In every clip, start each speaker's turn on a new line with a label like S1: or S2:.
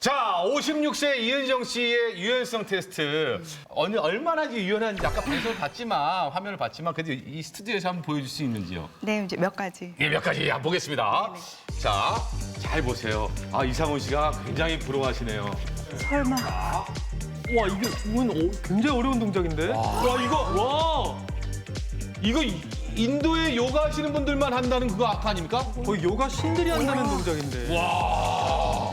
S1: 자, 56세 이은정 씨의 유연성 테스트. 얼마나 유연한지 아까 방송을 봤지만, 화면을 봤지만, 그래도 이 스튜디오에서 한번 보여줄 수 있는지요?
S2: 네, 이제 몇 가지.
S1: 예, 몇 가지 한번 보겠습니다. 자, 잘 보세요. 아, 이상훈 씨가 굉장히 부러워하시네요.
S2: 설마.
S3: 와, 이건 굉장히 어려운 동작인데?
S1: 와, 이거 인도에 요가 하시는 분들만 한다는 그거 아까 아닙니까?
S3: 거의 요가 신들이 한다는 동작인데.
S1: 와.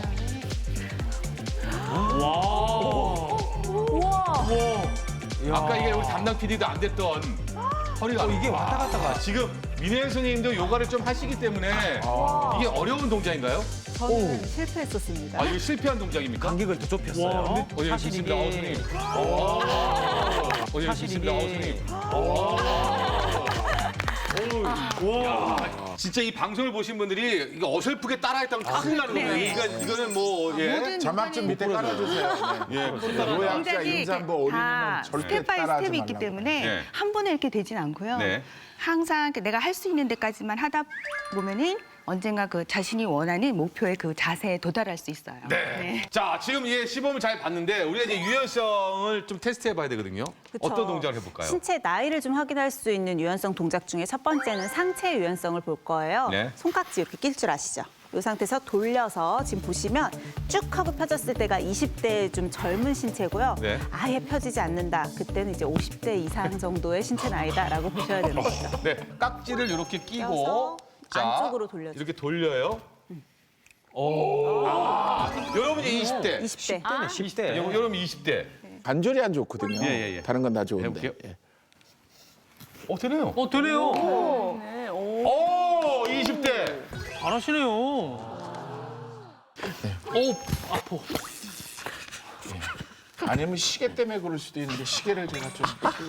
S1: 아까 이게 우리 담당 PD도 안 됐던 허리가.
S3: 이게 왔다 갔다가.
S1: 지금 민혜 선생님도 요가를 좀 하시기 때문에 이게 어려운 동작인가요?
S2: 저는 실패했었습니다.
S1: 아, 이거 실패한 동작입니까?
S3: 간격을 더 좁혔어요.
S1: 어, 예,
S3: 사실
S1: 좋습니다.
S3: 이게
S1: 선생님. 예,
S3: 사실
S1: 좋습니다.
S3: 이게-
S1: 선생님. 와, 진짜 이 방송을 보신 분들이 이거 어설프게 따라했다면 큰일 나는 거예요.
S2: 네.
S1: 이거는 뭐 예.
S2: 모든
S4: 자막 좀 밑에 깔아주세요. 네.
S1: 예.
S4: 노약자
S2: 동작이
S4: 임산부
S2: 다
S4: 어린이는 절대
S2: 스텝 바이
S4: 따라하지
S2: 스텝이 있기
S4: 말라고.
S2: 때문에
S1: 네.
S2: 한 번에 이렇게 되진 않고요.
S1: 네.
S2: 항상 내가 할 수 있는 데까지만 하다 보면은 언젠가 그 자신이 원하는 목표의 그 자세에 도달할 수 있어요.
S1: 네. 자, 지금 예, 시범을 잘 봤는데 우리가 이제 유연성을 좀 테스트해 봐야 되거든요.
S5: 그쵸.
S1: 어떤 동작을 해볼까요?
S5: 신체 나이를 좀 확인할 수 있는 유연성 동작 중에 첫 번째는 상체 유연성을 볼 거예요.
S1: 네.
S5: 손깍지 이렇게 낄 줄 아시죠? 이 상태에서 돌려서 지금 보시면 쭉 하고 펴졌을 때가 20대의 좀 젊은 신체고요.
S1: 네.
S5: 아예 펴지지 않는다. 그때는 이제 50대 이상 정도의 신체 나이다라고 보셔야 되는 거죠.
S1: 네, 깍지를 이렇게 끼고
S5: 껴서 안쪽으로 돌려줘요.
S1: 이렇게 돌려요. 오. 여러분 이제 20대.
S5: 20대.
S3: 10대.
S1: 여러분 20대.
S4: 관절이 안 좋거든요.
S1: 예.
S4: 다른 건 다 좋은데.
S1: 해볼게요.
S4: 예.
S1: 되네요.
S3: 되네요.
S1: 오, 20대.
S3: 잘하시네요.
S4: 아니면 시계 때문에 그럴 수도 있는데 시계를 제가 좀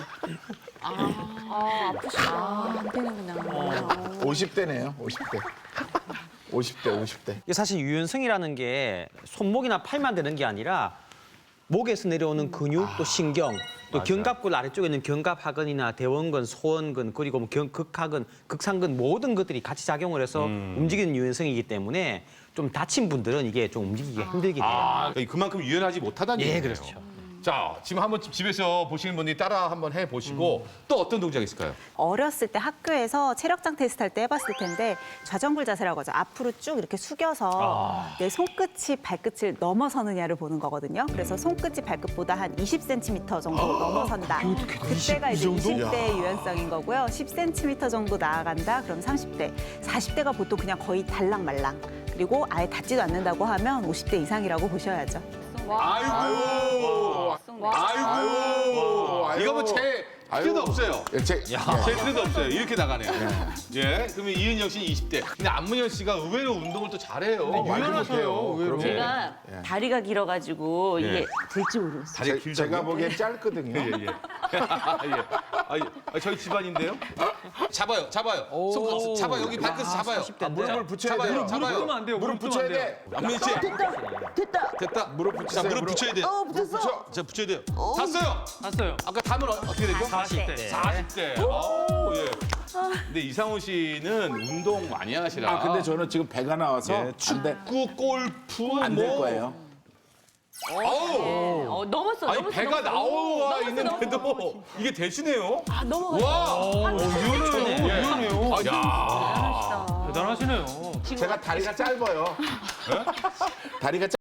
S5: 안 되는구나.
S4: 50대네요. 50대. 50대.
S6: 이게 사실 유연성이라는 게 손목이나 팔만 되는 게 아니라 목에서 내려오는 근육 또 신경 또 견갑골 아래쪽에 있는 견갑하근이나 대원근, 소원근 그리고 뭐 극하근, 극상근 모든 것들이 같이 작용을 해서 움직이는 유연성이기 때문에 좀 다친 분들은 이게 좀 움직이기가 힘들긴 해요.
S1: 아, 그만큼 유연하지 못하다는
S6: 예,
S1: 얘기예요.
S6: 그렇죠.
S1: 자, 지금 한번 집에서 보시는 분들이 따라 한번 해 보시고 또 어떤 동작이 있을까요?
S5: 어렸을 때 학교에서 체력장 테스트 할 때 해봤을 텐데 좌정굴 자세라고 하죠. 앞으로 쭉 이렇게 숙여서 내 손끝이 발끝을 넘어서느냐를 보는 거거든요. 그래서 손끝이 발끝보다 한 20cm 정도 넘어선다. 그때가 이제 20대 유연성인 거고요. 10cm 정도 나아간다. 그럼 30대. 40대가 보통 그냥 거의 달랑말랑. 그리고 아예 닿지도 않는다고 하면 50대 이상이라고 보셔야죠.
S1: 아이고. 이거 뭐 제 필요도 없어요. 제 필요도 없어요. 이렇게 나가네요. 예. 그러면 이은영 씨는 20대. 근데 안문현 씨가 의외로 운동을 또 잘해요.
S3: 유연하셔요.
S1: 의외로.
S7: 제가 다리가 길어가지고
S1: 예.
S7: 이게 될지 모르겠어요.
S1: 다리가 길다고요?
S4: 제가 보기엔 짧거든요.
S1: 예. 저희 집안인데요? 잡아요. 손 잡아요. 여기 발끝 잡아요.
S4: 무릎을 붙여야
S1: 잡아요.
S4: 돼요.
S1: 잡아요.
S3: 무릎 안 돼요.
S4: 무릎 붙여야 돼.
S1: 안문현 씨. 됐다.
S4: 무릎 붙이세요.
S1: 자, 무릎 붙여야 돼요.
S7: 붙였어.
S1: 자, 붙여야 돼요. 탔어요.
S3: 봤어요.
S1: 아까 담은 어떻게 되죠?
S3: 40대.
S1: 40대. 아우, 예. 근데 이상훈 씨는 운동 많이 하시라.
S4: 아 근데 저는 지금 배가 나와서
S1: 예,
S4: 안 돼.
S1: 축구, 골프
S4: 안 될 거예요.
S1: 아우.
S7: 넘었어.
S1: 아니
S7: 넘었어,
S1: 배가
S7: 넘었어.
S1: 나와
S7: 넘었어,
S1: 있는데도
S7: 넘었어.
S1: 이게 되시네요.
S7: 아, 넘어갔어.
S1: 와.
S3: 유연해요.
S1: 야.
S3: 대단하시네요.
S4: 제가 다리가 짧아요. 다리가